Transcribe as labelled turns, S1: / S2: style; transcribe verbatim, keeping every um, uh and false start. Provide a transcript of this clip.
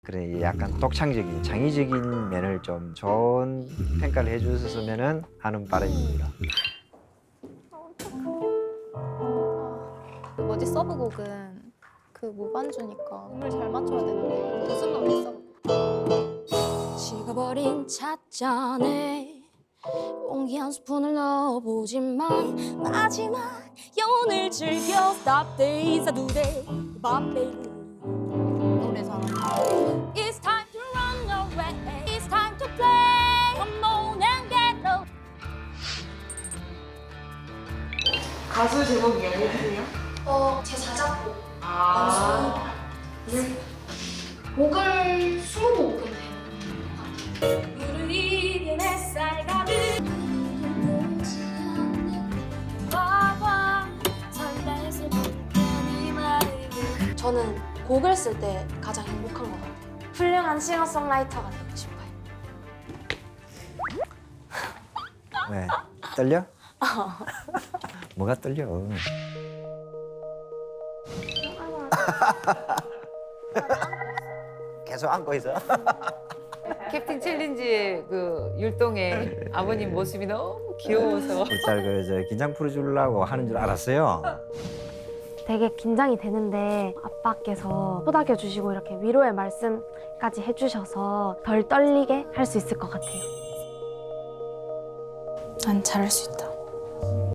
S1: 그래 약간 독창적인 창의적인 면을 좀 좋은 평가를 해주셨으면 하는 바람입니다.
S2: 그 뭐지 서브곡은 그 무반주니까 음을 잘 맞춰야 되는데 무슨 노래 써?
S3: 식어버린 찻잔에 공기 한 스푼을 넣어보지만 마지막 영혼을 즐겨 Stop days I do day Bob baby
S2: 노래 잘한다.
S3: It's time to run away It's time to play Come on and get low
S4: 가수 제목이 어디세요?
S3: 어, 제 자작곡
S4: 아,
S3: 네. 곡을 스무 곡은 되는 것 같아요 물을 이긴 햇살 가득 봐봐 설레서 불편이 마르게 저는 곡을 쓸 때 가장 행복한 것 같아요 훌륭한 싱어송라이터가 되고 싶어요
S1: 왜 떨려? 뭐가 떨려? 계속 안고 있어.
S5: 캡틴 챌린지의 그 율동의 아버님 모습이 너무 귀여워서
S1: 우리 딸그 긴장 풀어주려고 하는 줄 알았어요.
S6: 되게 긴장이 되는데 아빠께서 토닥여 주시고 이렇게 위로의 말씀까지 해주셔서 덜 떨리게 할 수 있을 것 같아요.
S3: 난 잘할 수 있다